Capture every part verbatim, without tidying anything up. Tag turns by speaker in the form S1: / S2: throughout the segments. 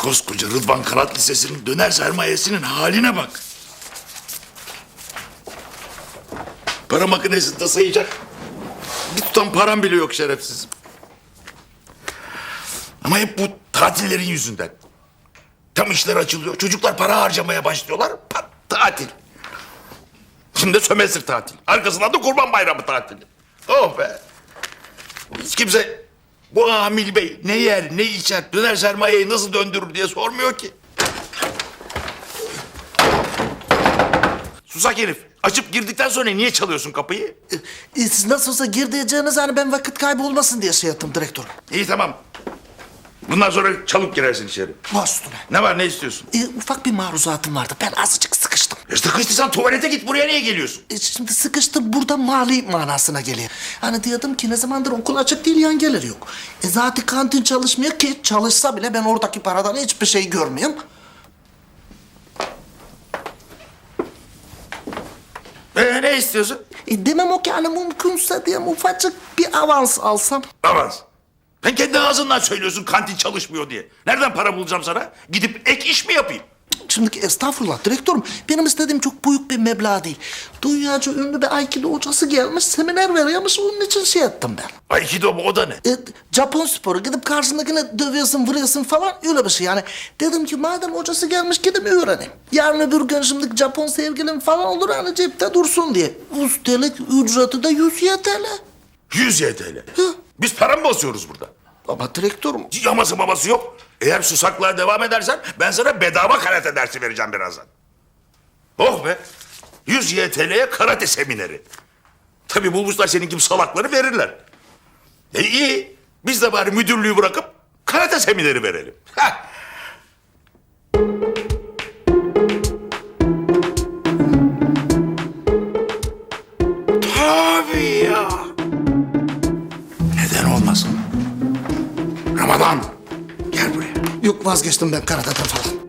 S1: koskoca Rıdvan Karat Lisesi'nin döner sermayesinin haline bak. Para makinesinde sayacak bir tutam param bile yok şerefsizim. Ama hep bu tatillerin yüzünden. Tam işler açılıyor, çocuklar para harcamaya başlıyorlar, pat, tatil. Şimdi sömestr tatil, arkasından da Kurban Bayramı tatili. Oh be! Hiç kimse bu Amil Bey ne yer, ne içer, döner sermayeyi nasıl döndürür diye sormuyor ki. Susak herif, açıp girdikten sonra niye çalıyorsun kapıyı?
S2: E, siz nasıl olsa gir diyeceğiniz hani ben vakit kaybı olmasın diye şey yaptım direktörüm.
S1: İyi tamam. Bundan sonra çalıp girersin içeri.
S2: Baş üstüne.
S1: Ne var, ne istiyorsun?
S2: E, ufak bir maruzatım vardı. Ben azıcık sıkıştım.
S1: E sıkıştıysan tuvalete git, buraya niye geliyorsun?
S2: E, şimdi sıkıştım burada mali manasına geliyor. Hani diyordum ki ne zamandır okul açık değil yan gelir yok. E zaten kantin çalışmıyor ki çalışsa bile ben oradaki paradan hiçbir şey görmüyorum.
S1: E, ne istiyorsun?
S2: E, demem o ki hani mümkünse diye ufacık bir avans alsam.
S1: Avans. Sen kendi ağzından söylüyorsun kantin çalışmıyor diye. Nereden para bulacağım sana? Gidip ek iş mi yapayım?
S2: Şimdiki estağfurullah direktörüm. Benim istediğim çok büyük bir meblağ değil. Dünyaca ünlü bir Aikido hocası gelmiş, seminer veriyormuş. Onun için şey ettim ben.
S1: Aikido mu, o da ne?
S2: E, Japon sporu. Gidip karşındakine dövüyorsun, vuruyorsun falan öyle bir şey. Yani dedim ki madem hocası gelmiş gidip öğreneyim. Yarın öbür gün şimdi Japon sevgilim falan olur hani cepte dursun diye. Üstelik ücreti de yüz Y T L.
S1: yüz Y T L.
S2: Hı.
S1: Biz para mı basıyoruz burada?
S2: Ama direktörüm.
S1: Yaması maması yok. Eğer susaklığa devam edersen ben sana bedava karate dersi vereceğim birazdan. Oh be! yüz Y T L'ye karate semineri. Tabii bulmuşlar senin gibi salakları verirler. E iyi. Biz de bari müdürlüğü bırakıp karate semineri verelim. Heh. Tabii ya. Neden olmasın? Ramazan, gel buraya.
S2: Yok vazgeçtim ben karateden falan.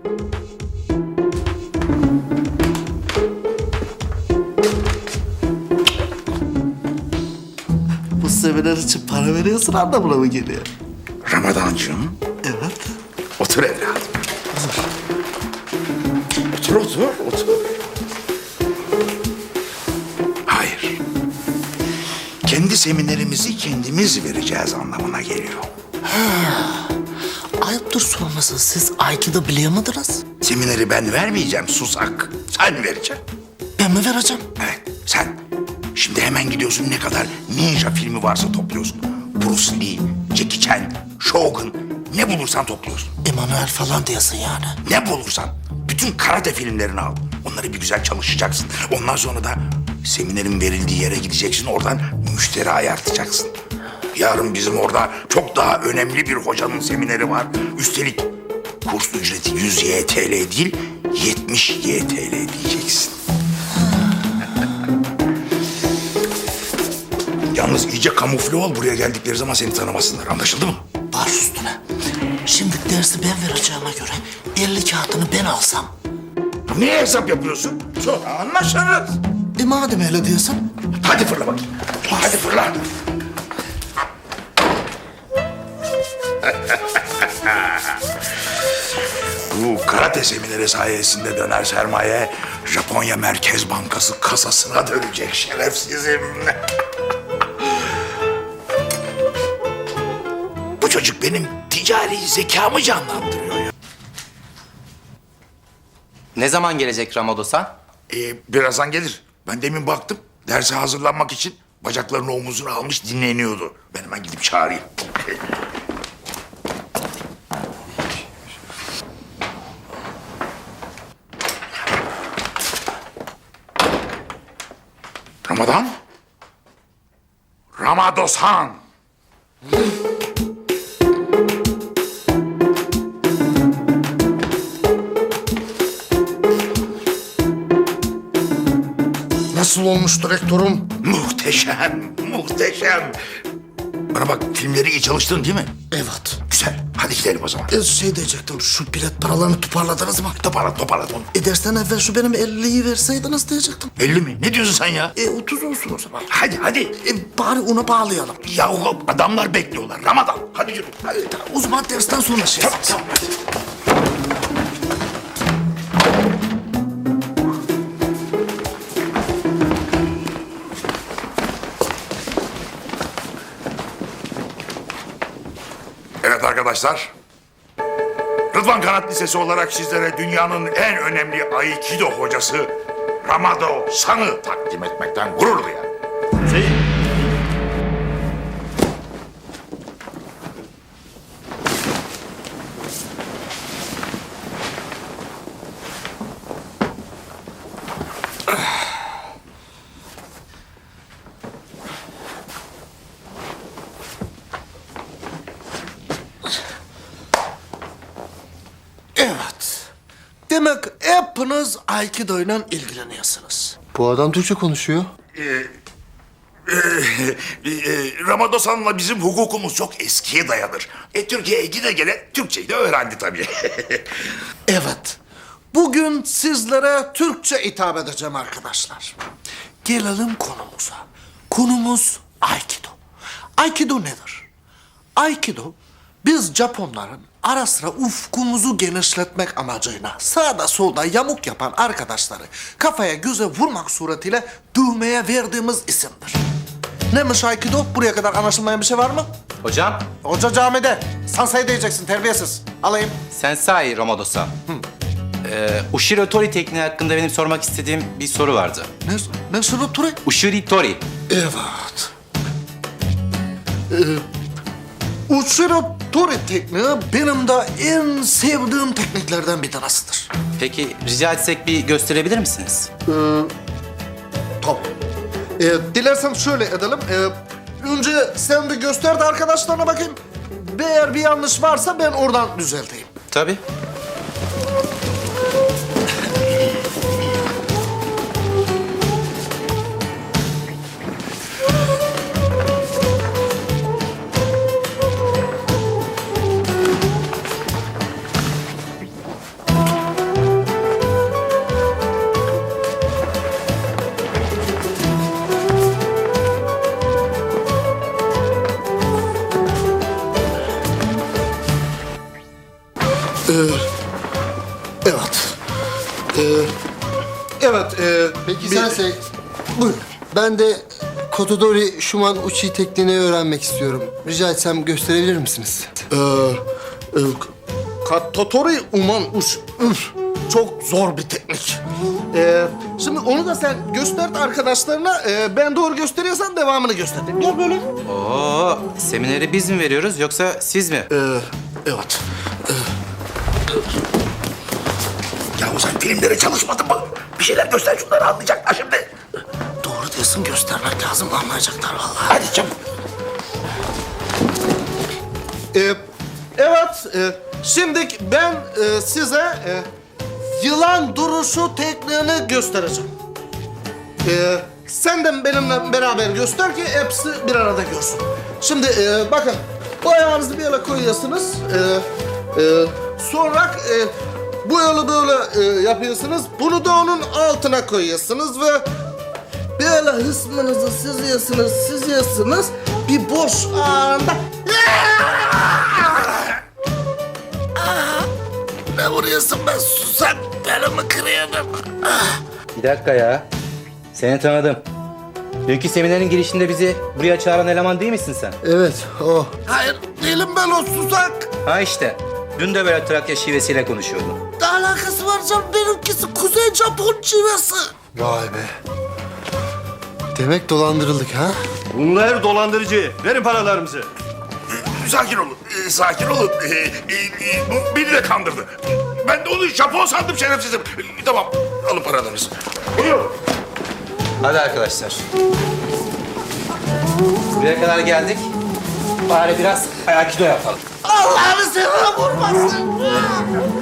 S2: Bu seminer için para veriyorsun anlamına mı geliyor?
S1: Ramadancığım,
S2: Evet.
S1: otur evladım. Otur, otur, otur. Hayır. Kendi seminerimizi kendimiz vereceğiz anlamına geliyor.
S2: Ayıptır sorması. Siz Aikido biliyor muydunuz?
S1: Semineri ben vermeyeceğim susak. Sen vereceksin.
S2: Ben mi vereceğim?
S1: Evet, sen. Şimdi hemen gidiyorsun, ne kadar ninja filmi varsa topluyorsun. Bruce Lee, Jackie Chan, Shogun, ne bulursan topluyorsun.
S2: Emanuel falan diyorsun yani.
S1: Ne bulursan. Bütün karate filmlerini al. Onları bir güzel çalışacaksın. Ondan sonra da seminerin verildiği yere gideceksin. Oradan müşteri ayartacaksın. Yarın bizim orada çok daha önemli bir hocanın semineri var. Üstelik kurs ücreti yüz Y T L değil, yetmiş Y T L diyeceksin. Yalnız iyice kamufle ol, buraya geldikleri zaman seni tanımasınlar. Anlaşıldı mı?
S2: Baş üstüne. Şimdi dersi ben vereceğime göre elli kağıtını ben alsam.
S1: Niye hesap yapıyorsun? Sonra anlaşırız.
S2: E madem öyle diyorsun.
S1: Hadi fırla bakayım. Hadi fırla. Bu karate semineri sayesinde döner sermaye Japonya Merkez Bankası kasasına dönecek şerefsizim. Bu çocuk benim ticari zekamı canlandırıyor ya.
S3: Ne zaman gelecek Ramado-san?
S1: Ee, birazdan gelir. Ben demin baktım. Derse hazırlanmak için bacaklarını omuzuna almış dinleniyordu. Ben hemen gidip çağırayım. Ramadan? Ramado-san.
S2: Nasıl olmuş direktörüm?
S1: Muhteşem, muhteşem. Bana bak, filmleri iyi çalıştın değil mi?
S2: Evet.
S1: Güzel. Hadi gidelim o zaman.
S2: E, şey diyecektim, şu bilet paralarını toparladınız mı?
S1: Toparla, toparla onu.
S2: E dersten evvel şu benim elliyi verseydiniz diyecektim.
S1: elli mi? Ne diyorsun sen ya?
S2: E otuz olsun o zaman.
S1: Hadi, hadi.
S2: E bari ona bağlayalım.
S1: Yahu adamlar bekliyorlar. Ramazan, hadi yürü. Hadi.
S2: O zaman dersten sonra şey.
S1: Tamam, tamam. Hadi. Evet arkadaşlar. Rıdvan Kanat Lisesi olarak sizlere dünyanın en önemli Aikido hocası Ramado San'ı takdim etmekten gurur duyarım.
S2: Evet. Demek hepiniz Aikido ile ilgileniyorsunuz.
S4: Bu adam Türkçe konuşuyor.
S1: Ee, e, Ramado San'la bizim hukukumuz çok eskiye dayanır. E, Türkiye'ye gide gele Türkçeyi de öğrendi tabii.
S2: Evet. Bugün sizlere Türkçe hitap edeceğim arkadaşlar. Gelelim konumuza. Konumuz Aikido. Aikido nedir? Aikido, biz Japonların ara sıra ufkumuzu genişletmek amacıyla sağda solda yamuk yapan arkadaşları kafaya göze vurmak suretiyle düğmeye verdiğimiz isimdir. Neymiş Aikido? Buraya kadar anlaşılmayan bir şey var mı?
S3: Hocam,
S2: Hoca camide. Sansei diyeceksin, terbiyesiz. Alayım.
S3: Sensai Ramado-san. Ee, Ushiro Tori tekniği hakkında benim sormak istediğim bir soru vardı.
S2: Ne? Ne sırrı Ture?
S3: Ushiri Tori.
S2: Evet. Ee, Ushiro Tori tekniği benim de en sevdiğim tekniklerden bir tanesidir.
S3: Peki rica etsek bir gösterebilir misiniz?
S2: Tamam. Ee, dilersen şöyle edelim. Ee, önce sen bir göster de arkadaşlarına bakayım. Eğer bir yanlış varsa ben oradan düzelteyim.
S3: Tabii.
S2: Evet. Ee, evet. E,
S4: Peki
S2: bir-
S4: Sensei,
S2: Buyur.
S4: ben de Kotodori Shuman Uchi tekniğini öğrenmek istiyorum. Rica etsem gösterebilir misiniz?
S2: Ee, e, Katotori uman uş. Üf, çok zor bir teknik. Ee, şimdi onu da sen göster arkadaşlarına. Ee, ben doğru gösteriyorsan devamını göster. Gel böyle.
S3: Oo, semineri biz mi veriyoruz yoksa siz mi?
S2: Ee, evet.
S1: Ya sen filmlere çalışmadın mı? Bir şeyler göster şunları anlayacaklar şimdi.
S2: Doğru diyorsun, göstermek lazım, anlayacaklar vallahi.
S1: Hadi çabuk.
S2: Ee, evet, e, şimdi ben e, size e, yılan duruşu tekniğini göstereceğim. Ee, sen de benimle beraber göster ki hepsi bir arada görsün. Şimdi e, bakın, bu ayağınızı bir yere koyuyorsunuz. Ee, e, sonra e, bu yolu böyle e, yapıyorsunuz. Bunu da onun altına koyuyorsunuz ve böyle hısmınızı süzüyorsunuz, süzüyorsunuz. Bir boş anda... Ne vuruyorsun ben susam? Belimi kırıyordum.
S3: Bir dakika ya. Seni tanıdım. Dünkü seminerin girişinde bizi buraya çağıran eleman değil misin sen?
S4: Evet, o.
S2: Hayır, değilim ben o susak.
S3: Ha işte. Dün de böyle Trakya şivesiyle konuşuyordun.
S2: Ne alakası var canım? Benimkisi Kuzey Japon çivesi.
S4: Vay be. Demek dolandırıldık ha?
S5: Bunlar dolandırıcı. Verin paralarımızı.
S1: Sakin olun, e, sakin olun. E, e, e, bu beni de kandırdı. Ben de onu Japon sandım şerefsizim. E, tamam, alın paralarınızı. Buyurun.
S3: Hadi arkadaşlar. Buraya kadar geldik. Bari biraz Aikido yapalım.
S2: Allah'ını seversen vurmasın.